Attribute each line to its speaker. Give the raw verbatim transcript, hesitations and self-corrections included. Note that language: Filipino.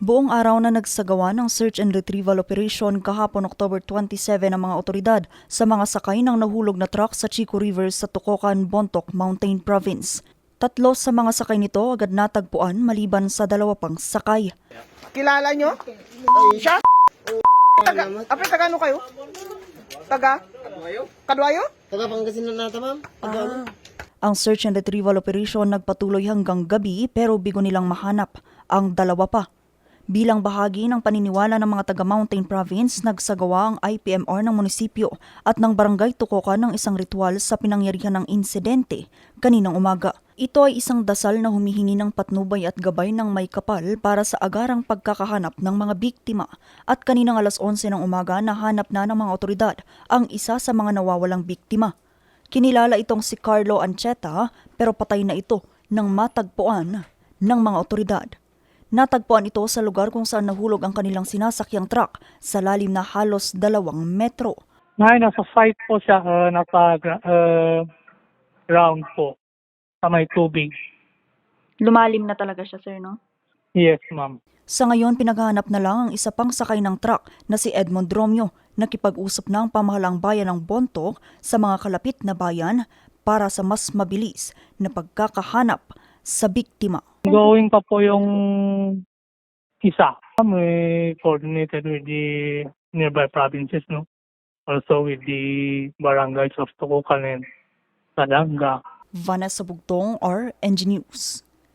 Speaker 1: Buong araw na nagsagawa ng search and retrieval operation kahapon October twenty-seven ang mga otoridad sa mga sakay ng nahulog na truck sa Chico River sa Tukokan, Bontoc, Mountain Province. Tatlo sa mga sakay nito agad natagpuan maliban sa dalawa pang sakay.
Speaker 2: Kilala nyo? Siya? Taga, apre, taga ano kayo? Taga? Kadwayo? Kadwayo?
Speaker 3: Taga Pangasinan nata, ma'am.
Speaker 2: Ah.
Speaker 1: Ang search and retrieval operation nagpatuloy hanggang gabi pero bigo nilang mahanap ang dalawa pa. Bilang bahagi ng paniniwala ng mga taga Mountain Province, nagsagawa ang I P M R ng munisipyo at ng barangay Tukokan ng isang ritual sa pinangyarihan ng insidente kaninang umaga. Ito ay isang dasal na humihingi ng patnubay at gabay ng may kapal para sa agarang pagkakahanap ng mga biktima. At kaninang alas onse ng umaga nahanap na ng mga otoridad ang isa sa mga nawawalang biktima. Kinilala itong si Carlo Ancheta pero patay na ito nang matagpuan ng mga otoridad. Natagpuan ito sa lugar kung saan nahulog ang kanilang sinasakyang truck sa lalim na halos dalawang metro.
Speaker 4: Ngayon, nasa site po siya, uh, nasa uh, ground po, sa may tubig.
Speaker 1: Lumalim na talaga siya, sir, no?
Speaker 4: Yes, ma'am.
Speaker 1: Sa ngayon, pinaghahanap na lang ang isa pang sakay ng truck na si Edmond Romeo, nakipag-usap na ang pamahalang bayan ng Bontoc sa mga kalapit na bayan para sa mas mabilis na pagkakahanap sa biktima.
Speaker 4: Going pa po yung isa. We coordinated with the nearby provinces, no? Also with the barangays of Tukokan and Sadanga.
Speaker 1: Vanessa Bugtong, R N G News.